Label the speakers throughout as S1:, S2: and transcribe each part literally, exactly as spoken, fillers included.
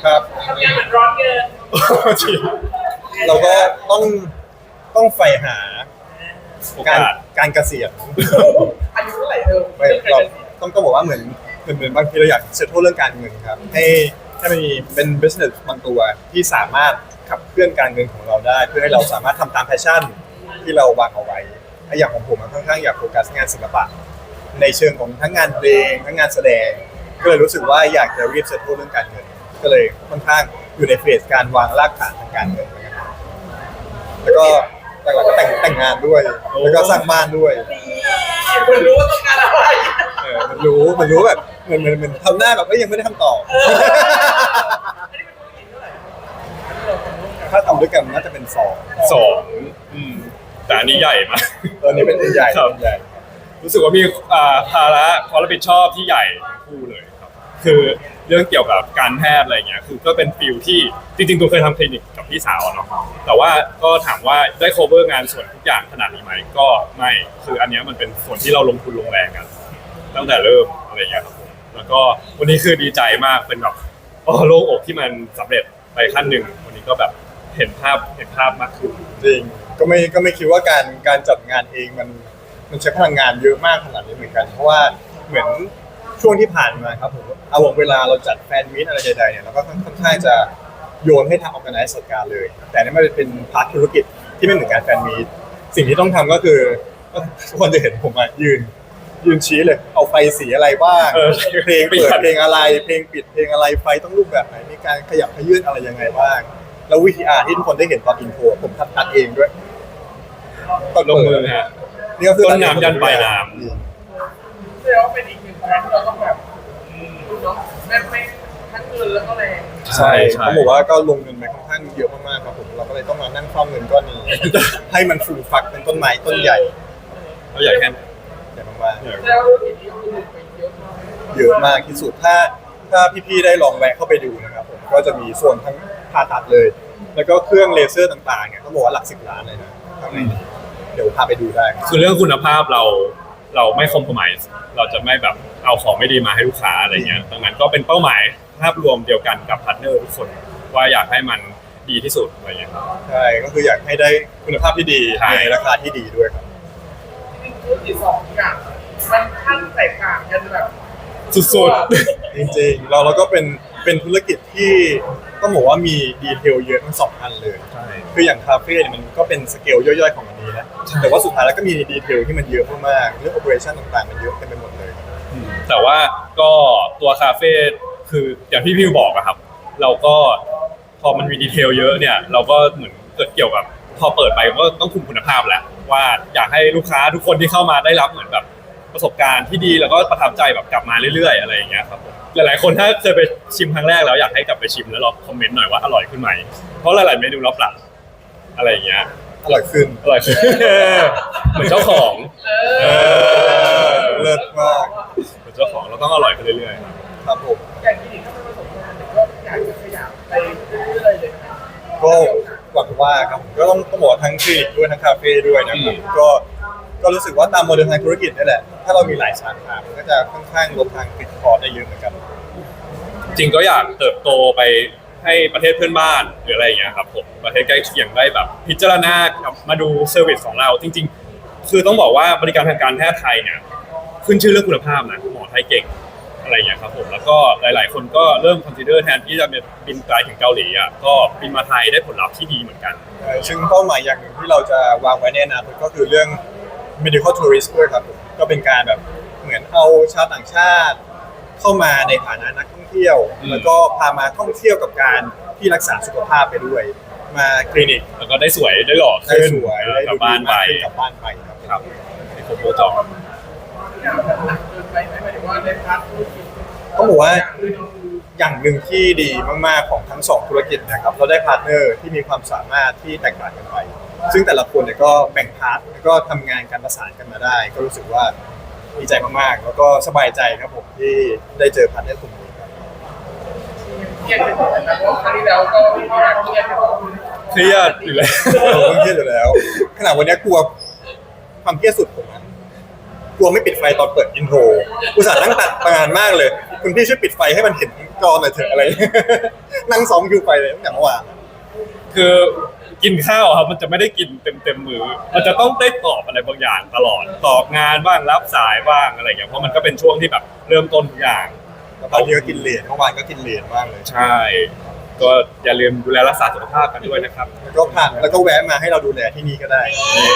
S1: ครับ
S2: ทำงานเหมือนร้อนเกิน
S1: จริงเราก็ต้องต้องใฝ่หาการการเกษียณ
S2: อายุเท่าไหร่เธอ
S1: ไม่เราต้องต้องบอกว่าเหมือนเหมือนเหมือนบางทีเราอยากเซตโทษเรื่องการเงินครับให้ให้มันมีเป็น business บางตัวที่สามารถขับเคลื่อนการเงินของเราได้เพื่อให้เราสามารถทำตาม passion ที่เราวางเอาไว้อย่างของผมค่อนข้างอยากโฟกัสงานศิลปะในเชิงของทั้งงานเพลงทั้งงานแสดงก็เลยรู้สึกว่าอยากจะรีบเซตโทษเรื่องการเงินก็เลยค่อนข้างอยู่ในเฟสการวางรากฐานทางการเงินนะครับแล้วก็หลักๆก็แต่งแต่งงานด้วยแล้วก็สร้างบ้านด้วย
S2: มันรู้ว่าต้องการอะไร
S1: เออมันรู้มันรู้แบบเหมือนเหมือนเหมือนทำหน้าแบบก็ยังไม่ได้คำตอบถ้าทำด้วยกันน่าจะเป็นสอง
S3: สองอืมแต่อันนี้ใหญ่มาก
S1: ตอนนี้เป็นใหญ่ใหญ่
S3: รู้สึกว่ามีภาระความรับผิดชอบที่ใหญ่ทั้งคู่เลยครับคือเรื่องเกี่ยวกับการแพทย์อะไรเงี้ยคือก็เป็นฟิลที่จริงๆตัวเคยทำคลินิกกับพี่สาวเนาะแต่ว่าก็ถามว่าได้ cover งานส่วนทุกอย่างขนาดนี้ไหมก็ไม่คืออันนี้มันเป็นส่วนที่เราลงทุนลงแรงกันตั้งแต่เริ่มอะไรเงี้ยครับผมแล้วก็วันนี้คือดีใจมากเป็นแบบโอ้โล่งอกที่มันสำเร็จไปขั้นหนึ่งวันนี้ก็แบบเห็นภาพเห็นภาพมากขึ้น
S1: จริงก็ไม่ก็ไม่คิดว่าการการจัดงานเองมันมันใช้พลังงานเยอะมากขนาดนี้เหมือนกันเพราะว่าเหมือนช่วงที่ผ่านมาครับผมเอาเวลาเราจัดแฟนมีตอะไรใดๆเนี่ยเราก็ค่อนข้างจะโยนให้ทางออร์แกไนซ์จัดการเลยแต่นี่มันเป็นพาร์ทธุรกิจที่ไม่เหมือนการแฟนมีตสิ่งที่ต้องทำก็คือทุกคนจะเห็นผมมายืนยืนชี้เลยเอาไฟสีอะไรบ้างเพลงเปิดเพลงอะไรเพลงปิดเพลงอะไรไฟต้องรูปแบบไหนมีการขยับขยื่นอะไรยังไงบ้างแล้ววิธีอาร์ที่ทุกคนได้เห็นตอนอินโทรผมทัดทัดเองด้วย
S3: ตอนลงมือฮะ
S1: นี่ก็คือ
S3: ต้นน้ำยันปลายน้
S2: ำแสดงว่าเป็นอีกหนึ่งงานที่เราต้องแบบเนาะแม่ไม่ทั้งเงินแล้วก็แรง
S1: ใช่เขาบอกว่าก็ลงเงินไปค่อนข้างเยอะมากๆครับผมเราก็เลยต้องมานั่งเฝ้าเงินก้อนนี้ให้มันฟูฟักเป็นต้นไม้ต้นใหญ่
S3: ต้นใหญ่แค่
S1: ใหญ่มาก
S2: ๆแล้วทีนี้คือไปเยอะมาก
S1: เยอะมากที่สุดถ้าถ้าพี่ๆได้ลองแวะเข้าไปดูนะครับผมก็จะมีส่วนทั้งผ่าตัดเลยแล้วก็เครื่องเลเซอร์ต่างๆเนี่ยเขาบอกว่าหลักสิบล้านเลยนะข้างในนี้เดี๋ยวพาไปดูได้
S3: คือเรื่องคุณภาพเราเราไม่คอมโพมไส์เราจะไม่แบบเอาของไม่ดีมาให้ลูกค้าอะไรเงี้ยดังนั้นก็เป็นเป้าหมายภาพรวมเดียวกันกับพาร์ทเนอร์ทุกคนว่าอยากให้มันดีที่สุดอะไรเงี้ยครับ
S1: ใช่ก็คืออยากให้ได้คุณภาพที่ดีในราคาที่ดีด้วยครับ
S2: จริงๆธุรกิจสองอย่างมันขั้นแตกต่างกันแบบ
S3: สุดๆ
S1: จริงๆเราเราก็เป็นเป็นธุรกิจที่ต้องบอกว่ามีดีเทลเยอะทั้งสองอันเลย
S3: ใช่
S1: คืออย่างคาเฟ่เนี่ยมันก็เป็นสเกลย่อยๆของอันนี้นะแต่ว่าสุดท้ายแล้วก็มีดีเทลที่มันเยอะมากๆเรื่องโอเปอเรชั่นต่างๆมันเยอะเต็มไปหมดเลย
S3: แต่ว่าก็ตัวคาเฟ่คืออย่างที่พี่บอกอะครับเราก็พอมันมีดีเทลเยอะเนี่ยเราก็เหมือนเกิดเกี่ยวกับพอเปิดไปก็ต้องคุมคุณภาพแล้วว่าอยากให้ลูกค้าทุกคนที่เข้ามาได้รับเหมือนแบบประสบการณ์ที่ดีแล้วก็ประทับใจแบบกลับมาเรื่อยๆอะไรอย่างเงี้ยครับหลายๆคนถ้าเคยไปชิมครั้งแรกแล้วอยากให้กลับไปชิมแล้วลองคอมเมนต์หน่อยว่าอร่อยขึ้นไหมเพราะหลายๆเมนูเราปรับอะไรอย่างเงี้ย
S1: อร่อยขึ้น
S3: อร่อยขึ้นเหมือนเจ้าของ
S1: เลิศมาก
S3: เหมือนเจ้าของเราต้องอร่อยขึ้นเรื่อย
S1: ๆครับผม
S2: อย่างที่ถ้าไม่ประสบการณ์ก็อยากจะขยับไปเรื่อยๆเลย
S1: ก็หวังว่าครับก็ต้องต้องบอกทั้งคลินิกด้วยทั้งคาเฟ่ด้วยนะครับก็ก็รู้สึกว่าตามโมเดลทางธุรกิจนี่แหละถ้าเรามีหลายสาขามันก็จะค่อนข้างลดทางฟิกคอร์สได้เยอะเหมือนกัน
S3: จริงก็อยากเติบโตไปให้ประเทศเพื่อนบ้านหรืออะไรอย่างเงี้ยครับผมประเทศใกล้เคียงได้แบบพิจารณามาดูเซอร์วิสของเราจริงๆคือต้องบอกว่าบริการทางการแพทย์ไทยเนี่ยขึ้นชื่อเรื่องคุณภาพนะหมอไทยเก่งอะไรอย่างเงี้ยครับผมแล้วก็หลายๆคนก็เริ่มคอนซิเดอร์แทนที่จะบินไกลถึงเกาหลีอ่ะก็บินมาไทยได้ผลลัพธ์ที่ดีเหมือนกัน
S1: ซึ่งเป้าหมายอย่างหนึ่งที่เราจะวางไว้ในอนาคตก็คือเรื่อง medical tourist ด้วยครับก็เป็นการแบบเหมือนเอาชาวต่างชาติเข้ามาในฐานะนักท่องเที่ยวแล้วก็พามาท่องเที่ยวกับการที่รักษาสุขภาพไปด้วยมาคลินิก
S3: แล้วก็ได้สวยได้หล่อ
S1: ขึ้นได้
S3: กลับบ้านไป
S1: กลับบ้านไปครับ
S3: ครับในครบวงจร
S1: ต้องบอกว่าอย่างหนึ่งที่ดีมากๆของทั้งสองธุรกิจนะครับเราได้พาร์ทเนอร์ที่มีความสามารถที่แตกต่างกันไปซึ่งแต่ละคนเนี่ยก็แบ่งพาร์ทแล้วก็ทำงานการประสานกันมาได้ก็รู้สึกว่าดีใจมากๆแล้วก็สบายใจครับผมที่ได้เจอพาร์ทเนอร์กลุ่มนี้ครับ
S2: เครียดอยู่นะเพราะครั้งที่แล้วก็มีการเครียด
S3: เครียดอยู่แล้ว
S1: เครียดอยู่แล้วขนาดวันนี้กลัวความเครียดสุดผมนะกลัวไม่ปิดไฟตอนเปิดอินโทรอุตส่าห์นั่งตัดงานมากเลยคุณพี่ช่วยปิดไฟให้มันเห็นก็หน่อยเถอะอะไร นั่งซ้อมคิวไปเลยตั้งแต่เมื่อวาน
S3: คือกินข้าวครับมันจะไม่ได้กินเต็มเต็มมือมันจะต้องได้ตอบอะไรบางอย่างตลอดตอบงานบ้างรับสายบ้างอะไรอย่างเงี้ยเพราะมันก็เป็นช่วงที่แบบเริ่มต้นทุกอย่าง
S1: ตอนนี้ก็กินเหรียญเมื่อวานก็กินเหรียญมากเลย
S3: ใช่ ก็อย่าลืมดูแลรักษาสุขภาพกันด้วยนะครับ
S1: แล้วก็ผ่านแล้วก็แวะมาให้เราดูแลที่นี่ก็ได้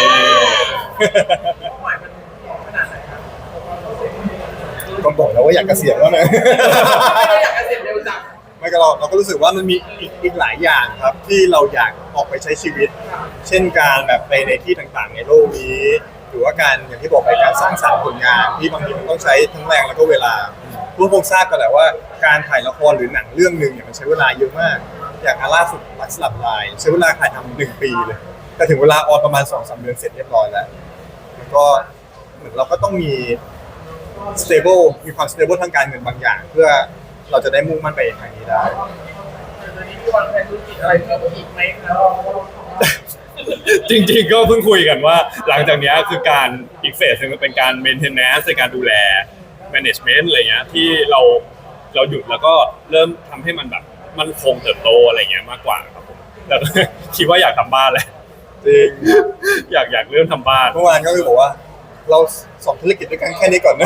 S2: เป้าหมายมันขนาดไหนครับ
S1: ก็บอกแล้วว่าอยากเกษียณแล้วนะ
S2: ไม่ได้อยากเกษียณเร็วจัง
S1: ไม่ก็เราเราก็รู้สึกว่ามันมีอีกอีกหลายอย่างครับ ที่เราอยากออกไปใช้ชีวิต เช่นการแบบไปในที่ต่างๆ ในโลกนี้ หรือว่าการอย่างที่บอกไปการสร้างสรรค์ผลงานที่บางทีมันต้องใช้ทั้งแรงแล้วก็เวลาทุกคนทราบกันแหละว่าการถ่ายละครหรือหนังเรื่องหนึ่งเนี่ยมันใช้เวลาเยอะมาก อย่างอาล่าสุดรักสลับลายใช้เวลาถ่ายทำหนึ่งปีเลย แต่ถึงเวลาออนประมาณสองสามเดือนเสร็จเรียบร้อยแล้วแล้วก็เหมือนเราก็ต้องมี stable มีความ stable ทางการเงินบางอย่าง เพื่อเราจะได้มุ่งมั่นไปทางนี้ได้
S2: ตอนนี้มีวางแผนธุรกิจอะไรเพิ่มอีกไหมครับ
S3: จริงๆก็เพิ่งคุยกันว่าหลังจากเนี้ยคือการอีกเฟสหนึงเป็นการ maintenance ในการดูแล management อะไรเงี้ยที่เราเราหยุดแล้วก็เริ่มทำให้มันแบบมันคงเติบโตอะไรเงี้ยมากกว่าครับผมแต่ คิดว่าอยากทำบ้านแหละ
S1: จริง
S3: อยากอยากเริ่มทำบ้าน
S1: เมื่อวานก็คือบอกว่า เราสองธุรกิจด้วยกันแค่นี้ก่อนนะ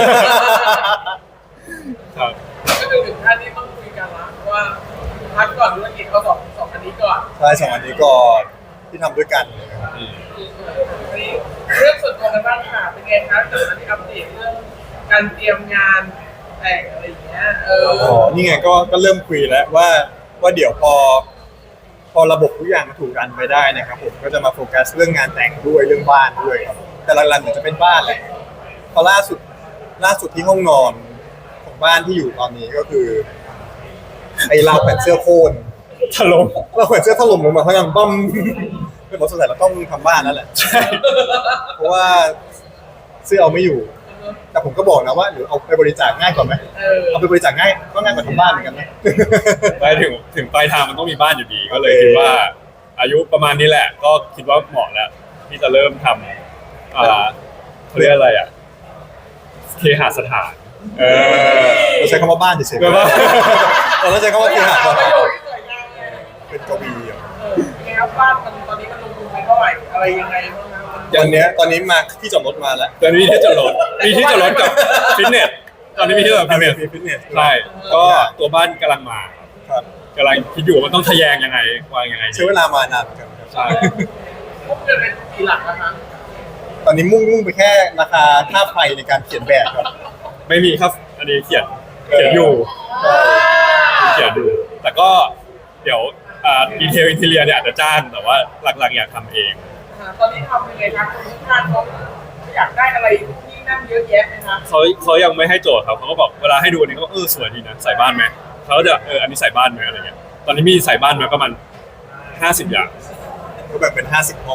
S3: ครับ
S2: ก็คือถึงขั้นที่ต้องคุยกันละว่าพักก่อนธุรกิจเขาสองสองอันนี้ก่อน
S1: ใช่สองอันนี้ก่อนที่ทำด้วยกันเลยครับ
S3: อืม
S2: อันนี้เรื่องส่วนตัวกันบ้างค่ะเป็นไงครับจากนั้นที่อัปเดตเรื่องการเตรียมงานแต่งอะไรอย่างเงี้ยเออ
S1: อ๋อนี่ไงก็ก็เริ่มคุยแล้วว่าว่าเดี๋ยวพอ พอระบบทุกอย่างมันถูกรันไปได้นะครับผมก็จะมาโฟกัสเรื่องงานแต่งด้วยเรื่องบ้านด้วยครับแต่หลักๆเหมือนจะเป็นบ้านแหละพอล่าสุดล่าสุดที่ห้องนอนของบ้านที่อยู่ตอนนี้ก็คือไอ้ราวแผ่นเสื้อโค่น
S3: ถล่ม
S1: ราวแผ่นเสื้อถล่มลงมาเพราะงั้นบ้อมเป็นหมดสงสัยเราต้องทำบ้านนั่นแหละ
S3: ใช่
S1: เพราะว่าเสื้อเอาไม่อยู่ แต่ผมก็บอกนะว่าหรือเอาไปบริจาคง่ายกว่าไหม
S2: เออ
S1: เอาไปบริจาคง่ายก็ง่ายกว่าทำบ้านเหมือนกันนะ
S3: ไปถึงถึงปลายทางมันต้องมีบ้านอยู่ดีก็เลยคิดว่า อายุประมาณนี้แหละ ก็คิดว่าเหมาะแล้วที่จะเริ่มทำอ่าเขาเรียกอะไรอ่ะเคหสถาน เออ
S1: เราใช้คำว่าบ้านเฉยๆ
S3: แปลว่า
S1: เราใช้คำว่าเคหะ
S2: ประโยชน์ที่สวยงามเลย
S1: เป็นกวีอ่ะ
S2: เออเป็นไงครับบ้านมันตอนนี้มันลงทุนไปเท่าไหร่อะไรยังไงบ้างครับมัน
S1: ตอนเนี้ยตอนนี้มาที่จอดรถมาแล้ว
S3: ตอนนี้มีที่จอดรถมีที่จอดรถกับฟิตเนสตอนนี้มีที่จอดรถฟิตเนส
S1: มีฟิตเนส
S3: ใช่ก็ตัวบ้านกำลังมา
S1: ครับ
S3: กำลังคิดอยู่ว่ามันต้องทะแยงยังไงวางยังไงดี
S1: ใช้เวลามานานเหมือนกันครับ
S3: ใช่
S2: พวกเงินเป็นกี่หลักนะคะ
S1: ตอนนี้มุ่งมุ่งไปแค่ราคาค่าไฟในการเขียนแบบครับ
S3: ไม่มีครับอันนี้เขียนเขียนอยู่เขียนอยู่แต่ก็เดี๋ยวอ่าดีเทลอินทีเรียเนี่ยอาจจะจ้างแต่ว่าหลักๆอยากทำเอง
S2: อ่าตอนนี้ทำยังไงครับคุณทุกท่านเขาอยากได้อะไรที่นั่นเยอะแยะไหมคะ
S3: เขาเขายังไม่ให้โจทย์ครับเขาก็บอกเวลาให้ดูอันนี้ก็เออสวยดีนะใส่บ้านไหมเขาจะเอออันนี้ใส่บ้านไหมอะไรเงี้ยตอนนี้มีใส่บ้านไหมประมาณห้าสิบอย่าง
S1: ก็แบบเป็นห้าสิบห้อง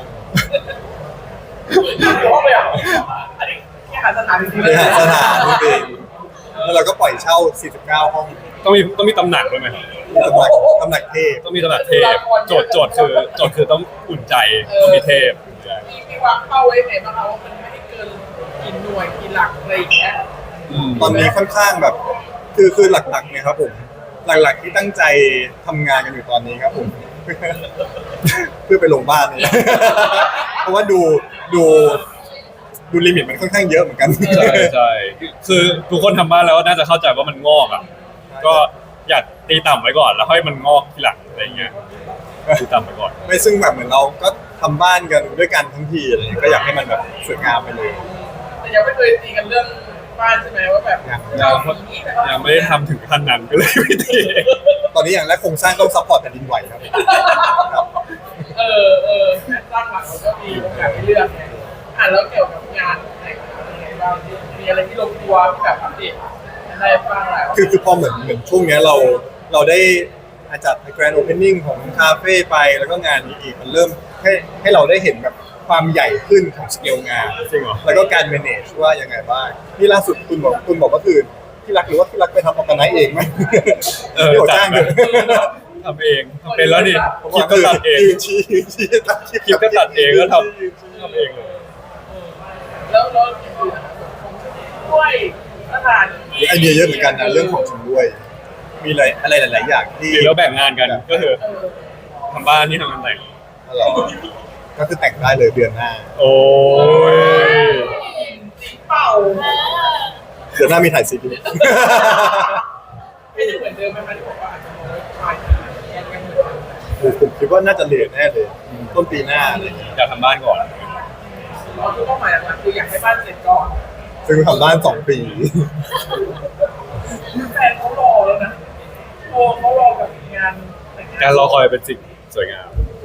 S2: ห้องเลยเหรออันนี้แค่หาสถานที่
S1: เคหสถานจริงๆแล้วเราก็ปล่อยเช่าสี่สิบเก้าห้อง
S3: ต้องมีต้องมีตำหนักด้วยไหม
S1: ตำหนักตำหนักเทพ
S3: ต้องมีตำหนักเทพโจทย์โจทย์คือโจทย์คือต้องอุ่นใจต้องมีเทพอุ่นใจ
S2: มีมีวางเป้าไว้ไหนบ้างคะว่ามันไม่ให้เกินกี่หน่วยกี่หลักอะไรอย่างเงี้ย
S3: ม
S1: ตอนนี้ค่อนข้างแบบ คือคือหลักๆเนี่ยครับผมหลักๆที่ตั้งใจทำงานกันอยู่ตอนนี้ครับผม เพื่อไปลงบ้านเนี่ย เพราะว่าดูดูดูลิมิตมันค่อนข้างเยอะเหมือนกัน
S3: ใช่ใช่คือทุกคนทำบ้านแล้วน่าจะเข้าใจว่ามันงอกอ่ะก็อยากตีต่ำไว้ก่อนแล้วค่อยมันงอกทีหลังอะไรเงี้ยตีต่ำไว้ก่อน
S1: ไม่ซึ่งแบบเหมือนเราก็ทำบ้านกันด้วยกันทั้งทีอะไรเงี้ยก็อยากให้มันแบบสวยงามไปเลย
S2: แต่ยังไม่เคยตีกันเรื่องบ้านใช่ไหมว่าแบบ
S1: ยัง
S2: เราสีนี้แต่ว่า
S3: ยังไม่ได้ทำถึงขั้นนั้นก็เลยไม่ตี
S1: ตอนนี้อย่างแรกโครงสร้างต้องซัพพอร์ตแผ่นดินไหวครับครับ
S2: เออเออแม่สร้างหลักเราก็มีโอกาสให้เลือกไงอ่ะแล้วเกี่ยวกับงานแต่งงานเป็นไงบ้างมีอะไรที่ลงตัวที่แบบอัปเดตได้บ้างหลาย
S1: คือคือพอเหมือนเหมือนช่วงเนี้ยเราเราได้อาจัดแกรนด์โอเพนนิ่งของคาเฟ่ไปแล้วก็งานนี้อีกมันเริ่มให้ให้เราได้เห็นแบบความใหญ่ขึ้นของสเกลงาน
S3: จริงเหรอ
S1: แล้วก็การ manage ว่ายังไงบ้างนี่ล่าสุดคุณบอกคุณบอกว่าคือที่รักหรือว่าที่รักไปทำออร์แกไนซ์เองไหม
S3: เออ
S1: ที่บอก
S3: จั
S1: จ้า
S3: ด
S1: ง
S3: ไป
S1: เถอะ
S3: ทำเองทำเป็นแล้วนี่
S1: ผม
S3: คลิ
S1: ว่า
S3: ปก็ตัดเอง
S1: ยืนชี้ยืนชี้ตัด
S3: คลิปก็ตัดเองแล้วทำทำเองเลย
S2: แล้วแล้วอย่างอื่นนะครับผมด้วยสถานที่
S1: ไอเดียเยอะเหมือนกันนะเรื่องของชำร่วย
S2: เ
S1: มีอะไรอะไรหลาย ๆ อย่างที่
S3: หรือเราแบ่งงานกันก็คือ
S2: เออ
S3: ทำบ้านนี่ทำงานแต่ง
S1: อ๋อเหรอก็คือแต่งได้เลยเดือนหน้า
S3: โอ้ย
S2: สีเป่า
S1: เดือนหน้ามีถ่ายซีรีส์
S2: ไม่ได้เหมือนเดิมไหมคะที่บอกว่าอาจจะมองปลายปียังยังเหมือนเดิม
S1: ผมคิดว่าน่าจะเลทแน่เลยต้นปีหน้าอะไรอย่างเงี้ย
S3: อยากทำบ้านก่อน
S2: เราคือเป้าหมายหลักๆคืออยากให้บ้านเสร็จก่อน
S1: ซึ่งทำบ้านสองปี
S2: แฟนเขารอแล้วนะโอ้เขารอแบบงานแต่งงาน
S3: การรอคอยเป็นสิ่งสวยงาม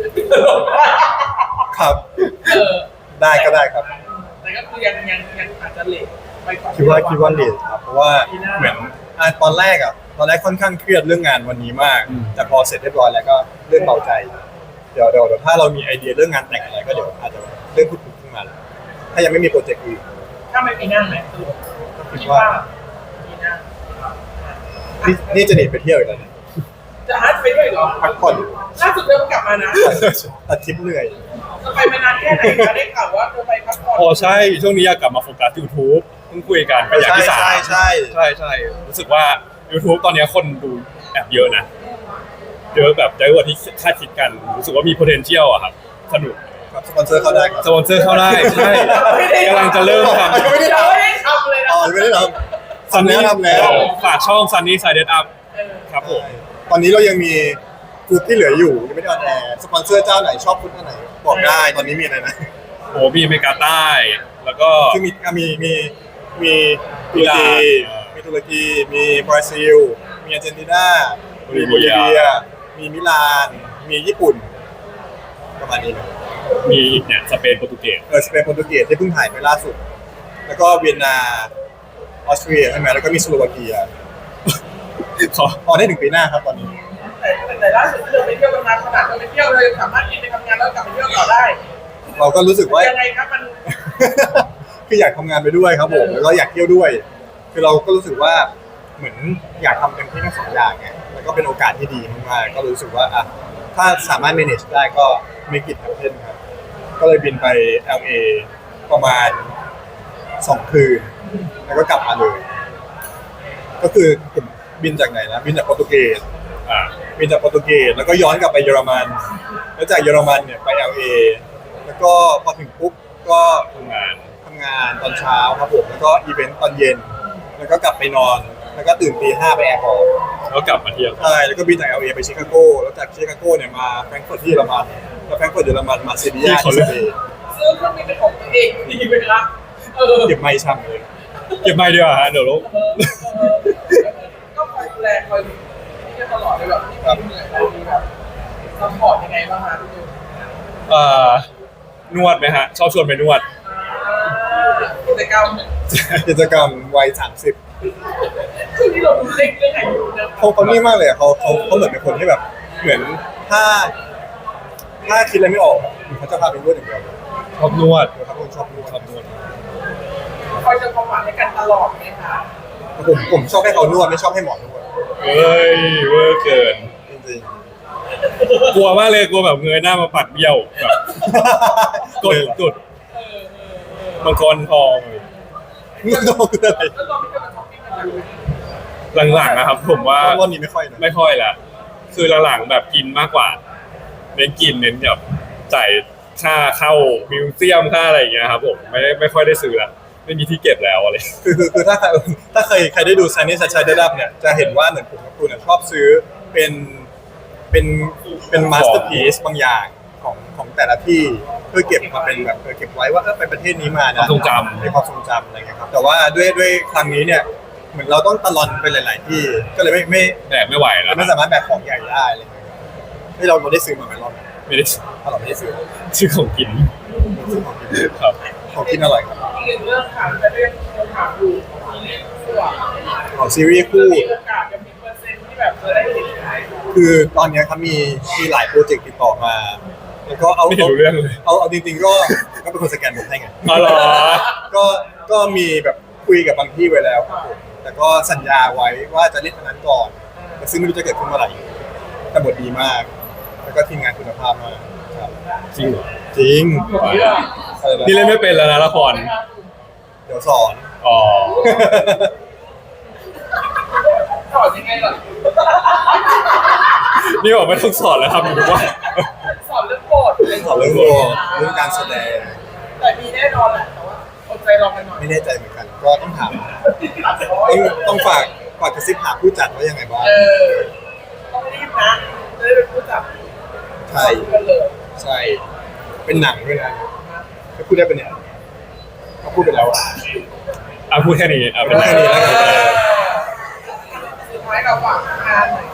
S1: ครับ
S2: เออ
S1: ได้ก็ได้ครับ
S2: แต่ก็คือยังยังยังอาจจะเลทไปก่อน
S1: คิดว่าคิดว่าเลทครับเพราะว่าเหมือนอ่ะตอนแรกอ่ะตอนแรกค่อนข้างเครียดเรื่องงานวันนี้มาก แต่พอเสร็จเรียบร้อยแล้วก็เรื่องเบาใจ เดี๋ยวเดี๋ยวเดี๋ยวถ้าเรามีไอเดียเรื่องงานแต่งอะไรก็เดี๋ยวอาจจะเรื่องพูดคุยขึ้นมาแล้วถ้ายังไม่มีโปรเจกต์อื่น
S2: ถ้าไม่มีหน้าไหมสรุป
S1: ก็คิดว่า
S2: มีหน้า
S1: นี่นี่จะหนีไปเที่ยวอีกแล้วเนี่ย
S2: จะหาจะไปด้วยเหรอ
S1: พักผ่อน
S2: ล่าสุดเดินกลับมานะ
S1: อาทิตย์เหนื่อย
S2: จะไปมานานแค่ไหนคะได้ข่าวว่าจะไปพักผ่อน
S3: อ๋อใช่ช่วงนี้อยากกลับมาโฟกัส YouTube เพิ่งคุยกันเป็นอย่างที่สาม
S1: ใช่ใช่
S3: ใช่ใช่รู้สึกว่า YouTube ตอนนี้คนดูแอบเยอะนะเยอะแบบเยอะกว่าที่คาดคิดกันรู้สึกว่ามี potential อะครับสนุก
S1: ครับสปอนเซอร์เข้าได้ครับ
S3: สปอนเซอร์เข้าได้ใช่กำลังจะเริ่มท
S1: ยังไม่ได้
S2: เรา
S1: ทำ
S2: ไม่ได้ทำเลยนะ
S1: อ๋อยังไม่ได้ท
S3: ำ
S1: ทำแล้วทำแล้ว
S3: ฝากช่อง Sunny Side Up
S2: เออ
S3: ครับผม
S1: ำตอนนี้เรายังมีฟูดที่เหลืออยู่ยังไม่ได้ออนแอร์สปอนเซอร์เจ้าไหนชอบฟูดอันไหนบอกได้ตอนนี้มีอะไรนะ
S3: โอ้มีอเมริกาใต้ แล้วก็
S1: คือมีอ่ะมีมีมีตุรกี
S3: อิหร่าน
S1: มีตุรกีมีบราซิล มีอาร์เจนตินา
S3: โบ
S1: มี
S3: ลิ
S1: โบ
S3: เวี
S1: ลิ
S3: ย
S1: เวีย มีมิลาน มีญี่ปุ่น ประมาณนี้นะ
S3: มีอีกเนี่ยสเปนโปรตุเกส
S1: เออสเปนโปรตุเกสที่เพิ่งถ่ายไปล่าสุด แล้วก็เวียนนาออสเตรียใช่ไหมแล้วก็มีสโลวาเกีย
S3: ขอ
S1: ออนได้ถึงปีหน้าครับตอนนี้
S2: แต่แต่ล่าสุดที่เราไปเที่ยวกันมาขนาดเราไปเที่ยวเลยสามารถกินไปทำงานแล้วกลับไปเที่ยวต่อได้
S1: เราก็รู้สึกว่า
S2: ยังไงครับมัน
S1: คืออยากทำงานไปด้วยครับผมแล้วก็อยากเที่ยวด้วย คือเราก็รู้สึกว่าเหมือนอยากทำเต็มที่ทั้งสองอย่างไงแล้วก็เป็นโอกาสที่ดีมากๆก็รู้สึกว่าอ่ะถ้าสามารถ manage ได้ก็ make it happen ครับก็เลยบินไป แอล เอ ประมาณสองคืน แล้วก็กลับมาเลย ก็คือผมบินจากไหนนะบินจากโปรตุเกส
S3: อ่า
S1: บินจากโปรตุเกสแล้วก็ย้อนกลับไปเยอรมัน แล้วจากเยอรมันเนี่ยไป แอล เอ แล้วก็พอถึงปุ๊บก็
S3: ทำงาน
S1: ทำงานตอนเช้าครับผมแล้วก็อีเวนต์ตอนเย็น แล้วก็กลับไปนอน แล้วก็ตื่นตีห้าไปแอร์พอร์ต
S3: แล้วกลับมาเที่ยว
S1: ใช่แล้วก็บินจาก แอล เอ ไปชิคาโกแล้วจากชิคาโกเนี่ยมาแฟรงก์เฟิร์ตที่เยอรมันแล้วแฟรงก์เฟิร์ตเยอรมันมาเซบียาที่สเปน
S2: ซื้อเครื่องบินเป็นของตัวเองดีไหมล่ะเออ
S1: เก็บไม่ช่ำเลย
S3: เก็บไม่ดีกว่าฮะเดี๋ยวลบ
S2: เออเออก็คอยดูแลคอยที่จะตลอดเลยแบบที่เหนื่อยอะไรมีแบบซัพพอร์ตยังไงบ้างคะทุกคน
S3: เอ่อนวดไหมฮะ ชอบชวนไปนวด
S2: กิจกรรม
S1: กิจกรรมวัยสามสิบ
S2: คือที่เราดูเล็กเรื่องอายุนะ
S1: เขาเขานี่มากเลยอะเขาเขาเขาเหมือนเป็นคนที่แบบ เหมือนถ้า ถ้าคิดอะไรไม่ออกอะเขาจะพาไปนวดอย่างเดียว
S3: ชอบนวด
S1: เดี๋ยวเขาเป็นคนชอบนวด
S3: ชอบนวด
S2: คอยจะความหวังให้กันตลอดไหมคะ
S1: ผมผมชอบให้เขานวดไม่ชอบให้หมอนวด
S3: เฮ้ยเวอร์เกิน
S1: จริง
S3: กลัวมากเลยกลัวแบบเงยหน้ามาปัดเบี้ยวแบบ
S1: ๆ
S3: กดกด
S2: เออเออเออ
S3: มังกรทอง
S1: นวดต้องคืออะไร
S2: แล้วเราไม่เคยมาช้อปปิ้งกันเลย
S3: หลังๆนะครับ ผมว่า
S1: รอบนี้ไม่ค่อยนะ
S3: ไม่ค่อยละคือหลังๆแบบกินมากกว่า เน้นกินเน้นแบบจ่ายค่าเข้ามิวเซียมค่าอะไรอย่างเงี้ยครับผมไม่ได้ไม่ค่อยได้ซื้อละไม่มีที่เก็บแล้วอะไร
S1: คือคือคือถ้าใครถ้าเคยใครได้ดูซันนี่ชัดชัยได้รับเนี่ยจะเห็นว่าเหมือนผมกับคุณเนี่ยชอบซื้อเป็นเป็นเป็นมาสเตอร์พีซบางอย่างของของแต่ละที่เพื่อเก็บมาเป็นแบบเออเก็บไว้ว่าเออไปประเทศนี้มานะ
S3: ความทรงจำ
S1: ในความทรงจำอะไรเงี้ยครับแต่ว่าด้วยด้วยครั้งนี้เนี่ยเหมือนเราต้องตะลอนไปหลาย ๆ ที่ก็เลยไม่ไม่
S3: แบกไม่ไหวแล้ว
S1: ไม่สามารถแบกของใหญ่ได้อะไรเงี้ยที่เราเราได้ซื้อมาไหมรอบนี้
S3: ไม่ได้
S1: ถ้าเราไม่ได้ซื้อ
S3: ซื้อของกิน
S1: ซื้อของกิน
S3: ครับ
S1: ของกินอร่อยครับ
S2: อีกหนึ่งเรื่องค่ะจะเรื่องคำถามอยู่ทีนี้คู่อะ
S1: ของซีรีส์
S2: จะ
S1: คู่
S2: มีโอกาสจะมีเปอร์เซ็นต์ที่แบบจะได้เห็นไหม
S1: คือตอนเนี้ยครับมีมีหลายโปรเจกต์ติดต่อมา แล้วก็เอา
S3: ไม่เห็นรู้เรื่องเลย
S1: เอาเอาจริงๆก็ก็เป็นคนสแกนผมให้ไง
S3: อ๋อเหรอ
S1: ก็ก็มีแบบคุยกับบางที่ไว้แล้วครับผมแต่ก็สัญญาไว้ว่าจะเล่นอันนั้นก่อนแต่ซึ่งไม่รู้จะเกิดขึ้นเมื่อไหร่แต่บทดีมาก แล้วก็ทีมงานคุณภาพมากครับ
S3: จริงเหรอ
S1: จริง
S2: เรื่อง
S1: อะไรนะ
S3: นี่เล่นไม่เป็นแล้วนะละคร
S1: เดี๋ยวสอน
S3: อ๋อ
S2: สอนยังไงล่ะ
S3: นี่บอกไม่ต้องสอนแล้วทำอยู่ทุกวัน
S2: สอนเรื่องบท
S1: สอนเรื่องบทเรื่องการแสดง
S2: แต่มีแน่นอนแหละแต่ว่าอดใจรอกันหน่อย
S1: ไม่แน่ใจเหมือนกัน ก็ต้องถามต้องต้องฝากฝากกระซิบหาผู้จัดว่ายังไงบ้าง
S2: เออต้องรีบนะจะได้เป็นผู้จับ
S1: ใช่
S2: กันเลย
S1: ใช่ เป็นหนังด้วยนะจะพูดได้ปะเนี่ยเขาพูดไปแล้วอะ
S3: อ่ะพูดแค่นี้อ่ะเป็น
S1: พูด
S3: ไร
S1: แค่นี้แล้วกัน
S2: สุดท้ายเราฝากงานหน่อย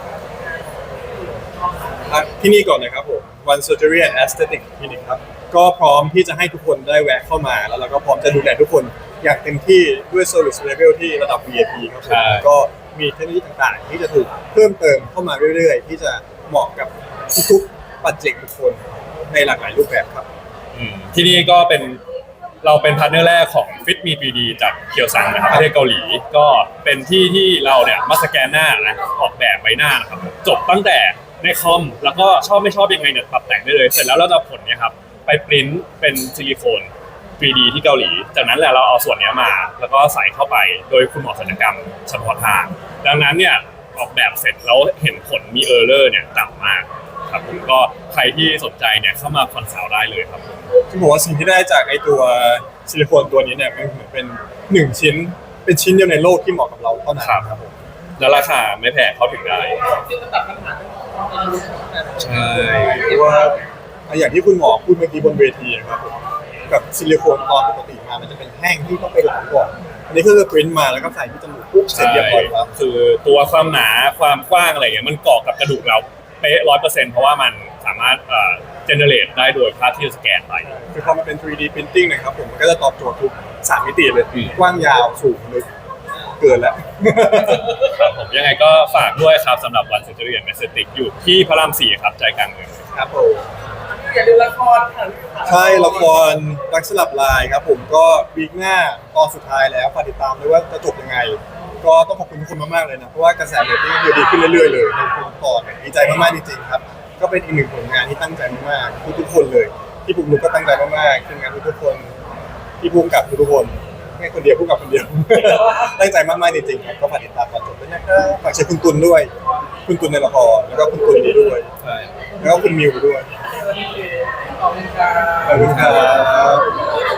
S1: อ่ะที่นี่ก่อนนะครับผม One Surgery and Aesthetic Clinic ครับ ก็พร้อมที่จะให้ทุกคนได้แวะเข้ามา แล้วเราก็พร้อมจะดูแลทุกคนอย่างเต็มที่ด้วย Service Level ที่ระดับ วี ไอ พี ครับผมแล้วก็มีเทคโนโลยีต่างๆ ที่จะถูกเพิ่มเติมเข้ามาเรื่อยๆ ที่จะเหมาะกับทุกๆปัจเจกบุคคลในหลากหลายรูปแบบครับ
S3: อืมที่นี่ก็เป็นเราเป็นพาร์ทเนอร์แรกของ Fit Me ทรี ดี จากเคียวซังนะครับประเทศเกาหลี ก็เป็นที่ที่เราเนี่ยมาสแกนหน้านะออกแบบใบหน้านะครับจบตั้งแต่ในคอมแล้วก็ชอบไม่ชอบยังไงเนี่ยปรับแต่งได้เลย เสร็จแล้วเราจะเอาผลเนี่ยครับไปปริ้นเป็นซิลิโคน ทรี ดี ที่เกาหลี จากนั้นแหละเราเอาส่วนเนี้ยมา แล้วก็ใส่เข้าไปโดยคุณหมอศัลยกรรมเฉพาะทาง ดังนั้นเนี่ยออกแบบเสร็จแล้วเห็นผลมีเออร์เลอร์เนี่ยต่ำมากครับผมก็ใครที่สนใจเนี่ยเข้ามาคอนซัลท์ได้เลยครับผม
S1: ที่บอกว่าสิ่งที่ได้จากไอตัวซิลิโคนตัวนี้เนี่ยมันเหมือนเป็นหนึ่งชิ้น เป็นชิ้นเดียวในโลกที่เหมาะกับเราเท่านั้นครับผม
S3: แล้วราคาไม่แพงเข้าถึงได้
S2: ที่จะตัดปัญหาเรื่องของความรู้แต่
S3: ใช่
S1: เพราะว่าอย่างที่คุณหมอพูดเมื่อกี้บนเวทีอะครับผมกับซิลิโคนตอนปกติมามันจะเป็นแห้งที่ต้องไปหลอมก่อนอันนี้ก็คือปริ้นมาแล้วก็ใส่ที่จมูกปุ๊บเสร็จ
S3: ใช่
S1: เรียบร้อยครับ
S3: คือตัวความหนาความกว้างอะไรเงี้ยมันเกาะกับกระดูกเราเป๊ะร้อยเปอร์เซ็นต์เพราะว่ามันสามารถเอ่อเจเนเรตได้โดยภาพที่สแกนไป
S1: คือพอมันเป็น ทรี ดี printing นะครับผมมันก็จะตอบโจทย์ทุกสามมิติเลย
S3: อืม
S1: กว้างยาวสูงลึกเกินแล้ว
S3: ครับผมยังไงก็ฝากด้วยครับสำหรับวันเซนจูเรียนเมสติกอยู่ที่พระรามสี่ครับใจกลางเมือง
S1: ครับผม
S2: อย่าลืมละครค่ะ
S1: ใช่ละครรักสลับลายครับผมก็วีคหน้าตอนสุดท้ายแล้วฝากติดตามด้วยว่าจะจบยังไง ก็ต้องขอบคุณทุกคนมากๆเลยนะเพราะว่ากระแสเรตติ้งคือดีขึ้นเรื่อยๆเลยในทุกตอนเนี่ยดีใจมากๆจริงๆครับก็เป็นอีกหนึ่งผลงานที่ตั้งใจมากๆทุกๆคนเลยที่ปุ๊กลุกก็ตั้งใจมากๆทีมงานทุกๆคนที่พุ่งกับทุกๆคนไม่คนเดียวพุ่งกับคนเดียว ตั้งใจมากๆจริงๆครับก็ฝากติดตามตอนจบด้วยนะครับฝากเชียร์คุณตุลด้วย คุณตุลในละครแล้วก็คุณตุลนี้ด้วย
S3: ใช่
S1: แล้วก็คุณมิวด้วย
S2: ขอบคุณค่ะ
S1: ขอบคุณครับ